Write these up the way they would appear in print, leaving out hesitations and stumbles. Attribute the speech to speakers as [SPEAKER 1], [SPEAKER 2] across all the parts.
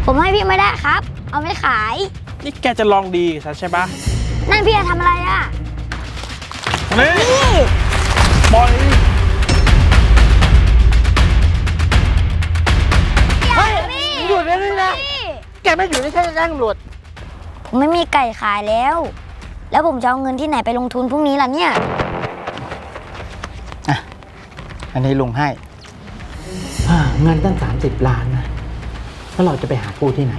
[SPEAKER 1] ผมให้พี่ไม่ได้ครับ เอาไม่ขาย
[SPEAKER 2] นี่แกจะลองดีกับฉันใช่ปะ
[SPEAKER 1] นั่นพี่จะทำอะไรอ่ะ
[SPEAKER 2] นี่
[SPEAKER 1] พี่
[SPEAKER 2] ปล่อย
[SPEAKER 1] เฮ้ยพี่
[SPEAKER 3] หยุดได้เลยนะ
[SPEAKER 1] พี่
[SPEAKER 3] แกไม่อยู่ในแค่แจ้งตำรวจ
[SPEAKER 1] ผมไม่มีไก่ขายแล้ว แล้วผมจะเอาเงินที่ไหนไปลงทุนพรุ่งนี้ล่ะเนี่ย
[SPEAKER 3] อันนี้ลุงให้เงินตั้ง30 ล้านนะแล้วเราจะไปหากู้ที่ไหน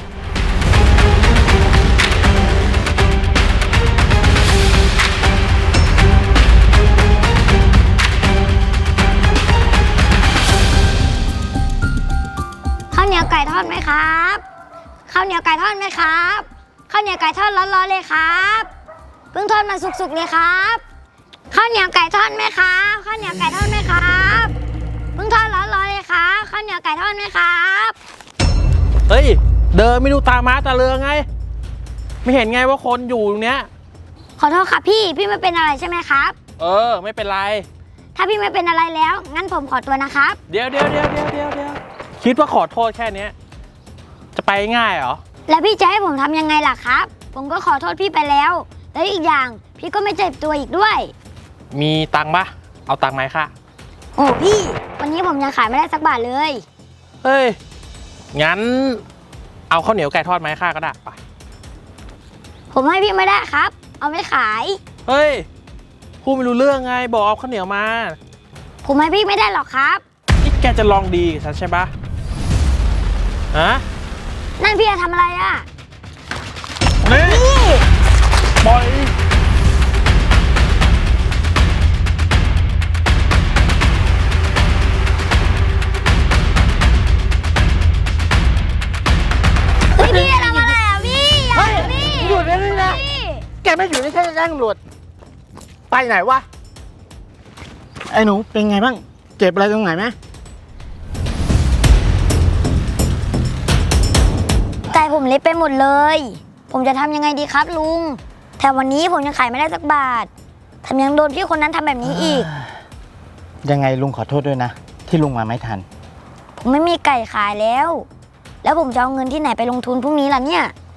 [SPEAKER 1] ข้าวเหนียวไก่ทอดไหมครับ ข้าวเหนียวไก่ทอดไหมครับ ข้าวเหนียวไก่ทอดร้อนๆเลยครับเพิ่งทอดมาสุกๆเลยครับ ข้าวเหนียวไก่ทอดไหมครับ ข้าวเหนียวไก่ทอดไหมครับเพิ่งทอดร้อนๆเลยครับข้าวเหนียวไก่ทอดไหมครับ
[SPEAKER 2] เฮ้ยเดินไม่ดูตาม้าตาเรือไง ไม่เห็นไงว่าคนอยู่ตรงเนี้ย
[SPEAKER 1] ขอโทษครับพี่ไม่เป็นอะไรใช่ไหมครับ
[SPEAKER 2] ไม่เป็นไร
[SPEAKER 1] ถ้าพี่ไม่เป็นอะไรแล้ว งั้นผมขอตัวนะครับ
[SPEAKER 2] เดี๋ยวคิดว่าขอโทษแค่เนี้ยจะไปง่ายเหรอ
[SPEAKER 1] แล้วพี่จะให้ผมทำยังไงล่ะครับ ผมก็ขอโทษพี่ไปแล้ว แล้วอีกอย่างพี่ก็ไม่เจ็บตัวอีกด้วย
[SPEAKER 2] มีตังค์ปะเอาตังค์ไหมค่ะ
[SPEAKER 1] โอ้พี่ วันนี้ผมยังขายไม่ได้สักบาทเลย
[SPEAKER 2] เฮ้ย งั้นเอาข้าวเหนียวไก่ทอดไหมค่ะก็ได้ไป
[SPEAKER 1] ผมให้พี่ไม่ได้ครับ เอาไม่ขาย
[SPEAKER 2] เฮ้ยพูดไม่รู้เรื่องไงบอกเอาข้าวเหนียวมา
[SPEAKER 1] ผมให้พี่ไม่ได้หรอกครับ
[SPEAKER 2] นี่แกจะลองดีกับฉันใช่ปะฮะ
[SPEAKER 1] นั่นพี่จะทำอะไรอ่ะ
[SPEAKER 2] นี่
[SPEAKER 1] พี่
[SPEAKER 2] ปล่อย
[SPEAKER 1] เฮ้ยพี่จะทำอะไรอ่ะพี่อย่าพี่
[SPEAKER 3] หยุดได้เลยนะ
[SPEAKER 1] พี่
[SPEAKER 3] แกไม่อยู่ในแค่แจ้งตำรวจ ไปไหนวะ ไอ้หนูเป็นไงบ้าง เจ็บอะไรตรงไหนไหม
[SPEAKER 1] ไก่ผมเละไปหมดเลย ผมจะทำยังไงดีครับลุงแถมวันนี้ผมยังขายไม่ได้สักบาทแถมยังโดนพี่คนนั้นทำแบบนี้อีก
[SPEAKER 3] ยังไงลุงขอโทษด้วยนะ ที่ลุงมาไม่ทัน
[SPEAKER 1] ผมไม่มีไก่ขายแล้ว แล้วผมจะเอาเงินที่ไหนไปลงทุนพรุ่งนี้ล่ะเนี่ย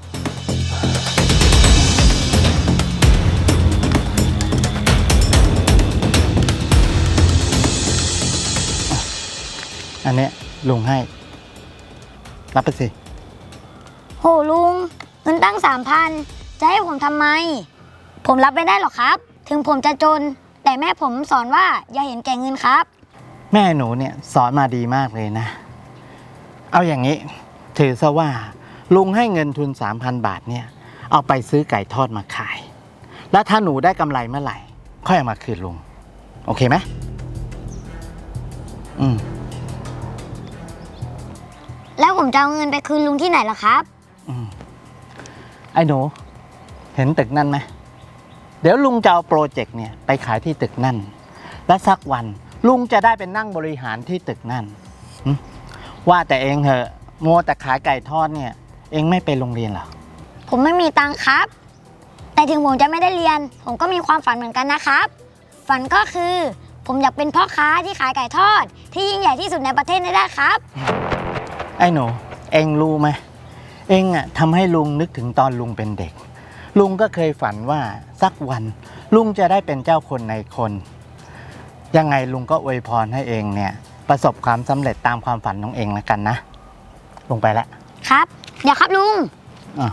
[SPEAKER 3] อันเนี้ยลุงให้ รับไปสิ
[SPEAKER 1] โหลุงเงินตั้ง3,000จะให้ผมทำไม ผมรับไม่ได้หรอกครับ ถึงผมจะจน แต่แม่ผมสอนว่าอย่าเห็นแก่เงินครับ
[SPEAKER 3] แม่หนูเนี่ยสอนมาดีมากเลยนะ เอาอย่างนี้ ถือซะว่า ลุงให้เงินทุน 3,000 บาทเนี่ย เอาไปซื้อไก่ทอดมาขาย แล้วถ้าหนูได้กำไรเมื่อไหร่ ค่อยเอามาคืนลุง โอเคไหมอืม
[SPEAKER 1] แล้วผมจะเอาเงินไปคืนลุงที่ไหนล่ะครับ
[SPEAKER 3] ไอ้หนู เห็นตึกนั่นไหม เดี๋ยวลุงจะเอาโปรเจกต์เนี่ยไปขายที่ตึกนั่น และสักวันลุงจะได้เป็นนั่งบริหารที่ตึกนั่นหึว่าแต่เองเหอะมัวแต่ขายไก่ทอดเนี่ย เองไม่ไปโรงเรียนเหรอ
[SPEAKER 1] ผมไม่มีตังค์ครับ แต่ถึงผมจะไม่ได้เรียน ผมก็มีความฝันเหมือนกันนะครับ ฝันก็คือ ผมอยากเป็นพ่อค้าที่ขายไก่ทอด ที่ยิ่งใหญ่ที่สุดในประเทศนี้ได้ครับ
[SPEAKER 3] ไอ้หนู เองรู้ไหม เองอะทำให้ลุงนึกถึงตอนลุงเป็นเด็ก ลุงก็เคยฝันว่าสักวัน ลุงจะได้เป็นเจ้าคนในคน ยังไงลุงก็อวยพรให้เองเนี่ย ประสบความสำเร็จตามความฝันของเองแล้วกันนะ ลงไปแล้ว
[SPEAKER 1] ครับ เดี๋ยวครับลุง
[SPEAKER 3] อ่ะ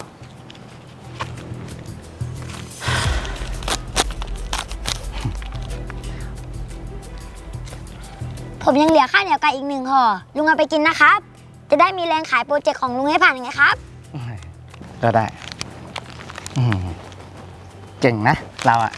[SPEAKER 1] ผมยังเหลือข้าวเหนียวไก่อีก1 ห่อ ลุงเอาไปกินนะครับ จะได้มีแรงขายโปรเจกต์ของลุงให้ผ่านไงครับ
[SPEAKER 3] ก็ได้เก่งนะ เราอะ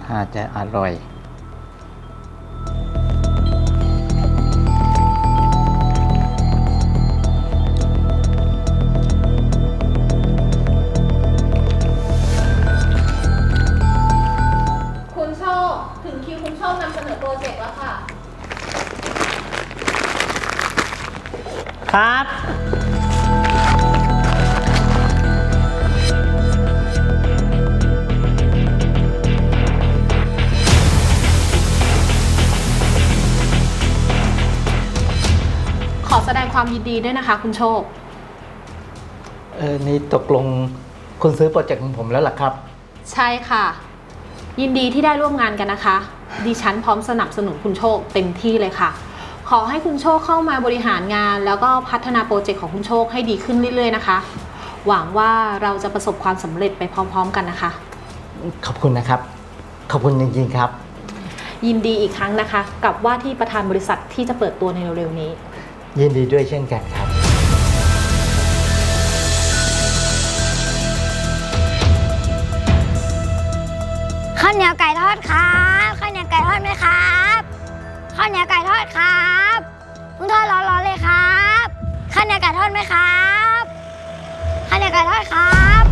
[SPEAKER 3] ถ้าจะอร่อย
[SPEAKER 4] คุณโชค ถึงคิวคุณโชคนำเสนอโปรเจกต์แล้วค่ะ
[SPEAKER 3] ครับ
[SPEAKER 4] ขอแสดงความยินดีด้วยนะคะ คุณโชค
[SPEAKER 3] นี่ตกลงคุณซื้อโปรเจกต์ของผมแล้วเหรอครับ
[SPEAKER 4] ใช่ค่ะ ยินดีที่ได้ร่วมงานกันนะคะ ดิฉันพร้อมสนับสนุนคุณโชคเต็มที่เลยค่ะ ขอให้คุณโชคเข้ามาบริหารงาน แล้วก็พัฒนาโปรเจกต์ของคุณโชคให้ดีขึ้นเรื่อยๆนะคะ หวังว่าเราจะประสบความสำเร็จไปพร้อมๆกันนะคะ
[SPEAKER 3] ขอบคุณนะครับ ขอบคุณจริงๆครับ
[SPEAKER 4] ยินดีอีกครั้งนะคะ กับว่าที่ประธานบริษัทที่จะเปิดตัวในเร็วๆนี้
[SPEAKER 3] ยินดีด้วยเช่นกันครับ
[SPEAKER 1] ข้าวเหนียวไก่ทอดครับข้าวเหนียวไก่ทอดไหมครับข้าวเหนียวไก่ทอดครับเพิ่งทอดร้อนๆเลยครับข้าวเหนียวไก่ทอดไหมครับข้าวเหนียวไก่ทอดครับ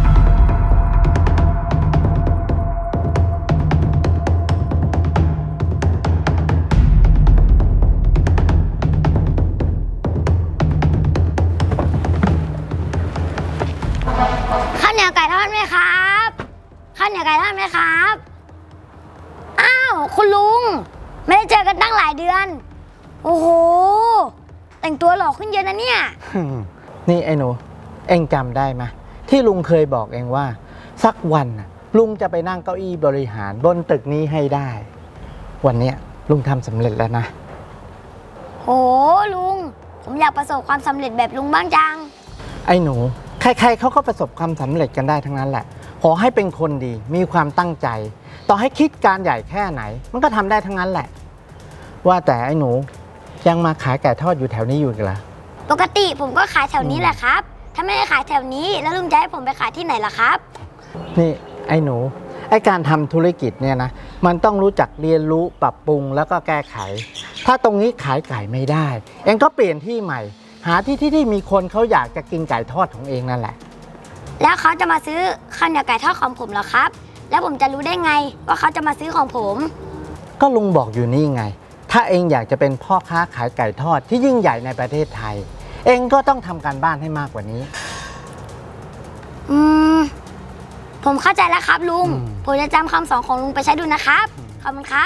[SPEAKER 1] ข้าวเหนียวไก่ทอดไหมครับข้าวเหนียวไก่ทอดไหมครับอ้าวคุณลุงไม่ได้เจอกันตั้งหลายเดือน โอ้โหแต่งตัวหล่อขึ้นเยอะนะเนี่ย
[SPEAKER 3] นี่ไอ้หนู เอ็งจำได้ไหมที่ลุงเคยบอกเองว่า สักวันน่ะลุงจะไปนั่งเก้าอี้บริหารบนตึกนี้ให้ได้ วันเนี้ยลุงทำสำเร็จแล้วนะ
[SPEAKER 1] โหลุงผมอยากประสบความสำเร็จแบบลุงบ้างจัง
[SPEAKER 3] ไอ้หนู ใครๆเขาก็ประสบความสำเร็จกันได้ทั้งนั้นแหละ ขอให้เป็นคนดีมีความตั้งใจ ต่อให้คิดการใหญ่แค่ไหน มันก็ทำได้ทั้งนั้นแหละ ว่าแต่ไอ้หนูยังมาขายไก่ทอดอยู่แถวนี้อยู่กันเหรอ
[SPEAKER 1] ปกติผมก็ขายแถวนี้แหละครับ ถ้าไม่ได้ขายแถวนี้แล้วลุงจะให้ผมไปขายที่ไหนล่ะครับ
[SPEAKER 3] นี่ไอ้หนูไอ้การทำธุรกิจเนี่ยนะมันต้องรู้จักเรียนรู้ปรับปรุงแล้วก็แก้ไข ถ้าตรงนี้ขายไก่ไม่ได้ เองก็เปลี่ยนที่ใหม่ หาที่มีคนเขาอยากจะกินไก่ทอดของเองนั่นแหละ
[SPEAKER 1] แล้วเขาจะมาซื้อข้าวเหนียวไก่ทอดของผมเหรอครับ แล้วผมจะรู้ได้ไงว่าเขาจะมาซื้อของผม
[SPEAKER 3] ก็ลุงบอกอยู่นี่ไง ถ้าเองอยากจะเป็นพ่อค้าขายไก่ทอดที่ยิ่งใหญ่ในประเทศไทย เองก็ต้องทำการบ้านให้มากกว่านี้
[SPEAKER 1] อืมผมเข้าใจแล้วครับลุง
[SPEAKER 3] อืม
[SPEAKER 1] ผมจะจำคำสอนของลุงไปใช้ดูนะครับขอบคุณครับ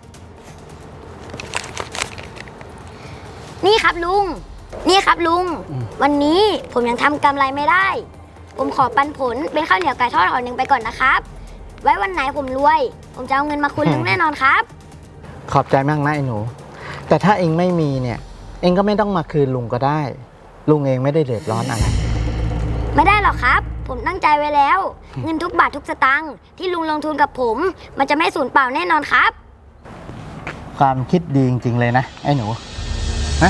[SPEAKER 1] นี่ครับลุง นี่ครับลุง วันนี้ผมยังทำกำไรไม่ได้ ผมขอปันผลเป็นข้าวเหนียวไก่ทอดห่อหนึ่งไปก่อนนะครับ ไว้วันไหนผมรวย ผมจะเอาเงินมาคืนลุงแน่นอนครับ
[SPEAKER 3] ขอบใจมากนะไอ้หนู แต่ถ้าเองไม่มีเนี่ย เองก็ไม่ต้องมาคืนลุงก็ได้ ลุงเองไม่ได้เดือดร้อนอะไร
[SPEAKER 1] ไม่ได้หรอกครับ ผมตั้งใจไว้แล้ว เงินทุกบาททุกสตางค์ที่ลุงลงทุนกับผม มันจะไม่สูญเปล่าแน่นอนครับ
[SPEAKER 3] ความคิดดีจริงๆเลยนะไอ้หนูนะ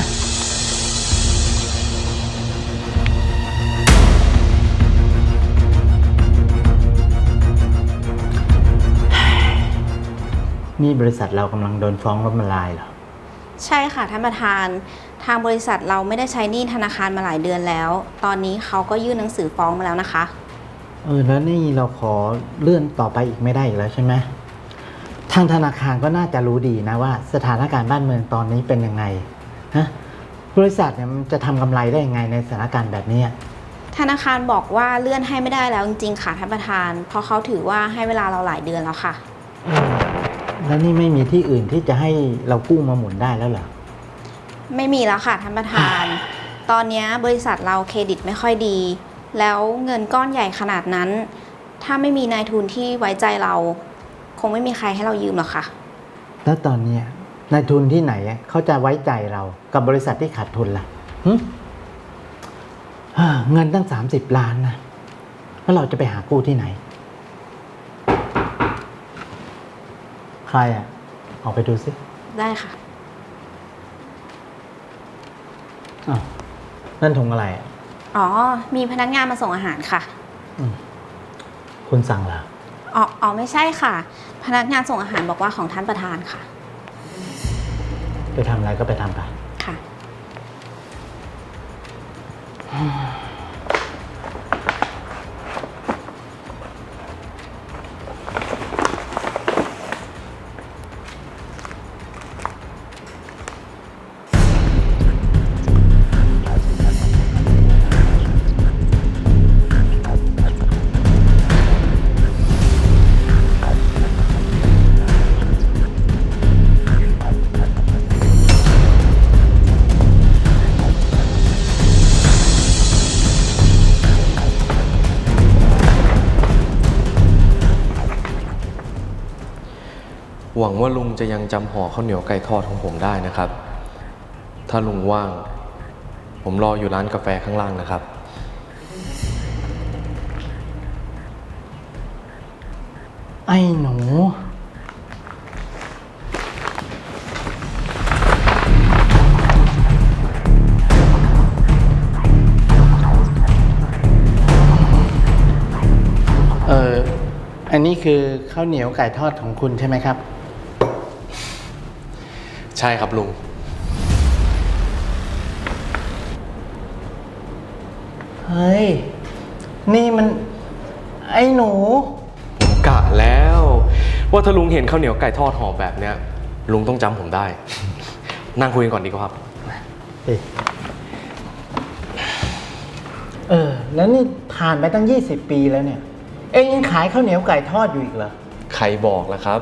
[SPEAKER 3] นี่บริษัทเรากำลังโดนฟ้องล้มละลายเหรอ
[SPEAKER 5] ใช่ค่ะท่านประธาน ทางบริษัทเราไม่ได้ใช้หนี้ธนาคารมาหลายเดือนแล้ว ตอนนี้เขาก็ยื่นหนังสือฟ้องมาแล้วนะคะ
[SPEAKER 3] แล้วนี่เราขอเลื่อนต่อไปอีกไม่ได้อีกแล้วใช่ไหมทางธนาคารก็น่าจะรู้ดีนะว่าสถานการณ์บ้านเมืองตอนนี้เป็นยังไงฮะบริษัทเนี่ยมันจะทำกำไรได้ยังไงในสถานการณ์แบบนี้
[SPEAKER 5] ธนาคารบอกว่าเลื่อนให้ไม่ได้แล้วจริงๆค่ะท่านประธาน เพราะเขาถือว่าให้เวลาเราหลายเดือนแล้วค่ะ
[SPEAKER 3] แล้วนี่ไม่มีที่อื่นที่จะให้เรากู้มาหมุนได้แล้วเหรอ
[SPEAKER 5] ไม่มีแล้วค่ะท่านประธาน ตอนนี้บริษัทเราเครดิตไม่ค่อยดี แล้วเงินก้อนใหญ่ขนาดนั้น ถ้าไม่มีนายทุนที่ไว้ใจเรา คงไม่มีใครให้เรายืมหรอกค่ะ
[SPEAKER 3] แล้วตอนเนี้ยนายทุนที่ไหนเขาจะไว้ใจเรากับบริษัทที่ขาดทุนล่ะหึเงินตั้ง30 ล้านนะแล้วเราจะไปหากู้ที่ไหน ใครออกไปดูสิ
[SPEAKER 5] ได้ค่ะ
[SPEAKER 3] อ้าวนั่นถุงอะไร
[SPEAKER 5] อ๋อ มีพนักงานมาส่งอาหารค่ะ
[SPEAKER 3] คุณสั่งเหรอ
[SPEAKER 5] อ๋ออ๋อไม่ใช่ค่ะ พนักงานส่งอาหารบอกว่าของท่านประธานค่ะ
[SPEAKER 3] ไปทำอะไรก็ไปทำไป
[SPEAKER 5] ค่ะ
[SPEAKER 6] หวังว่าลุงจะยังจำห่อข้าวเหนียวไก่ทอดของผมได้นะครับ ถ้าลุงว่าง ผมรออยู่ร้านกาแฟข้างล่างนะครับ
[SPEAKER 3] ไอ้หนู อันนี้คือข้าวเหนียวไก่ทอดของคุณใช่ไหมครับ
[SPEAKER 6] ใช่ครับลุง
[SPEAKER 3] เฮ้ย นี่มัน ไอ้หนู
[SPEAKER 6] ผมกะแล้ว ว่าถ้าลุงเห็นข้าวเหนียวไก่ทอดห่อแบบเนี้ย ลุงต้องจำผมได้ นั่งคุยกันก่อนดีกว่าครับ
[SPEAKER 3] แล้วนี่ผ่านไปตั้ง 20 ปีแล้วเนี่ย เอ็งยังขายข้าวเหนียวไก่ทอดอยู่อีกเหรอ
[SPEAKER 6] ใครบอกล่ะครับ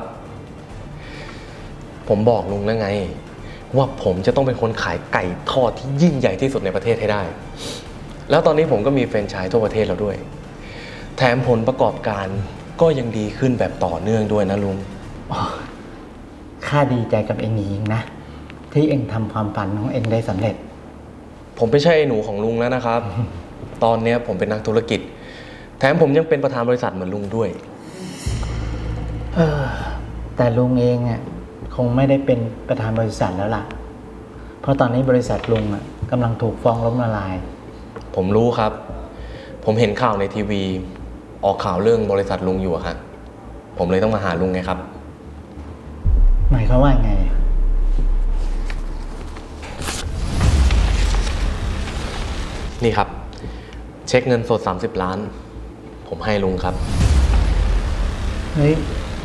[SPEAKER 6] ผมบอกลุงแล้วไง ว่าผมจะต้องเป็นคนขายไก่ทอดที่ยิ่งใหญ่ที่สุดในประเทศให้ได้ แล้วตอนนี้ผมก็มีแฟรนไชส์ทั่วประเทศแล้วด้วย แถมผลประกอบการก็ยังดีขึ้นแบบต่อเนื่องด้วยนะลุง
[SPEAKER 3] ข้าดีใจกับเอ็งจริงๆนะ ที่เอ็งทำความฝันของเอ็งได้สำเร็จ
[SPEAKER 6] ผมไม่ใช่ไอ้หนูของลุงแล้วนะครับ ตอนนี้ผมเป็นนักธุรกิจ แถมผมยังเป็นประธานบริษัทเหมือนลุงด้วย
[SPEAKER 3] แต่ลุงเองอ่ะคงไม่ได้เป็นประธานบริษัทแล้วล่ะ เพราะตอนนี้บริษัทลุงอ่ะกำลังถูกฟ้องล้มละลาย
[SPEAKER 6] ผมรู้ครับ ผมเห็นข่าวในทีวี ออกข่าวเรื่องบริษัทลุงอยู่อะฮะผมเลยต้องมาหาลุงไงครับ
[SPEAKER 3] หมายความว่าไง
[SPEAKER 6] นี่ครับ เช็คเงินสด30 ล้าน ผมให้ลุงครับ
[SPEAKER 3] เฮ้ย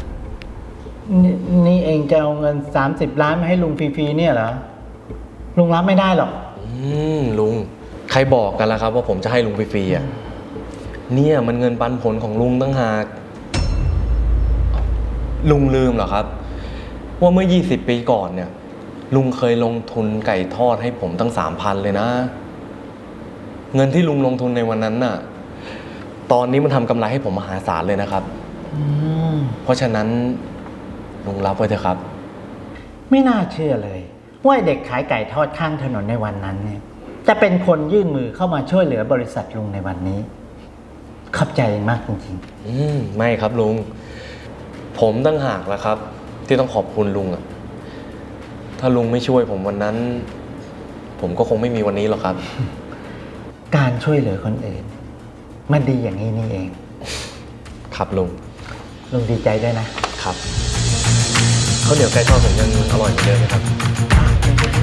[SPEAKER 3] นี่เองจะเอาเงิน30 ล้านมาให้ลุงฟรีๆเนี่ยเหรอ ลุงรับไม่ได้หรอก
[SPEAKER 6] ลุง ใครบอกกันล่ะครับ ว่าผมจะให้ลุงฟรีๆอ่ะ เนี่ยมันเงินปันผลของลุงตั้งหาก ลุงลืมเหรอครับ ว่าเมื่อ20 ปีก่อนเนี่ย ลุงเคยลงทุนไก่ทอดให้ผมตั้ง 3,000 เลยนะ เงินที่ลุงลงทุนในวันนั้นน่ะ ตอนนี้มันทำกำไรให้ผมมหาศาลเลยนะครับ เพราะฉะนั้นลุงรับไว้เถอะครับ
[SPEAKER 3] ไม่น่าเชื่อเลย ว่าเด็กขายไก่ทอดข้างถนนในวันนั้นเนี่ย จะเป็นคนยื่นมือเข้ามาช่วยเหลือบริษัทลุงในวันนี้ ขอบใจมากจริง
[SPEAKER 6] ไม่ครับลุง ผมตั้งหากแล้วครับ ที่ต้องขอบคุณลุงอะถ้าลุงไม่ช่วยผมวันนั้น ผมก็คงไม่มีวันนี้หรอกครับ
[SPEAKER 3] ๆ การช่วยเหลือคนอื่น มันดีอย่างนี้นี่เอง
[SPEAKER 6] ครับลุง
[SPEAKER 3] ลุงดีใจด้วยนะครับ
[SPEAKER 6] ข้าวเหนียวไก่ทอดผมยังอร่อยเหมือนเดิมไหมครับ